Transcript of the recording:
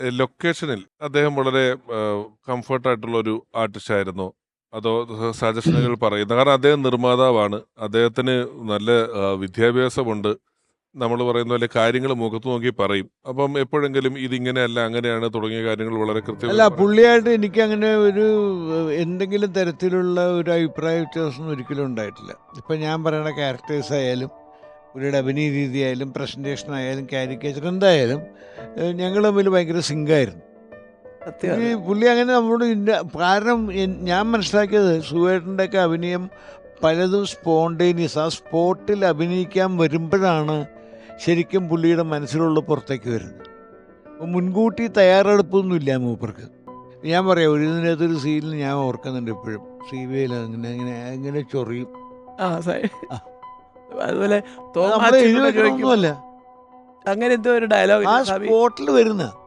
ലൊക്കേഷനിൽ അദ്ദേഹം വളരെ കംഫർട്ടായിട്ടുള്ള ഒരു ആർട്ടിസ്റ്റ് ആയിരുന്നോ? അതോ സജഷനുകൾ പറയുന്നത്? കാരണം അദ്ദേഹം നിർമ്മാതാവാണ്. അദ്ദേഹത്തിന് നല്ല വിദ്യാഭ്യാസമുണ്ട്. നമ്മൾ പറയുന്ന പോലെ കാര്യങ്ങൾ മുഖത്ത് നോക്കി പറയും. അപ്പം എപ്പോഴെങ്കിലും ഇതിങ്ങനെയല്ല അങ്ങനെയാണ് തുടങ്ങിയ കാര്യങ്ങൾ വളരെ അല്ല, കൃത്യമായി പുള്ളിയായിട്ട് എനിക്കങ്ങനെ ഒരു എന്തെങ്കിലും തരത്തിലുള്ള ഒരു അഭിപ്രായ വ്യത്യാസമൊന്നും ഒരിക്കലും ഉണ്ടായിട്ടില്ല. ഇപ്പം ഞാൻ പറയുന്ന ക്യാരക്ടേഴ്സ് ആയാലും പുള്ളിയുടെ അഭിനയ രീതിയായാലും പ്രസൻറ്റേഷൻ ആയാലും കാരിക്കേച്ചർ എന്തായാലും ഞങ്ങൾ തമ്മിൽ ഭയങ്കര സിങ്കായിരുന്നു. സത്യമാണ്. പുള്ളി അങ്ങനെ നമ്മളോട് കാരണം ഞാൻ മനസ്സിലാക്കിയത് സുഖേട്ടൻ്റെയൊക്കെ അഭിനയം പലതും സ്പോണ്ടേനിയസ്, ആ സ്പോട്ടിൽ അഭിനയിക്കാൻ വരുമ്പോഴാണ് ശരിക്കും പുള്ളിയുടെ മനസ്സിലുള്ള പുറത്തേക്ക് വരുന്നത്. അപ്പോൾ മുൻകൂട്ടി തയ്യാറെടുപ്പൊന്നുമില്ല മൂപ്പർക്ക്. ഞാൻ പറയാം, ഒരു ഇതിനകത്തൊരു സീനിൽ ഞാൻ ഓർക്കുന്നുണ്ട് ഇപ്പോഴും. സീവയിൽ അങ്ങനെ അങ്ങനെ അങ്ങനെ ചൊറിയും. ആ ആ, അതുപോലെ അത് നമ്മൾ എഴുതി ചോദിക്കും വെക്കണമൊന്നുമല്ല, അങ്ങനെ എന്തോ ഒരു ആ ഡയലോഗ് സ്പോട്ടിൽ വരുന്ന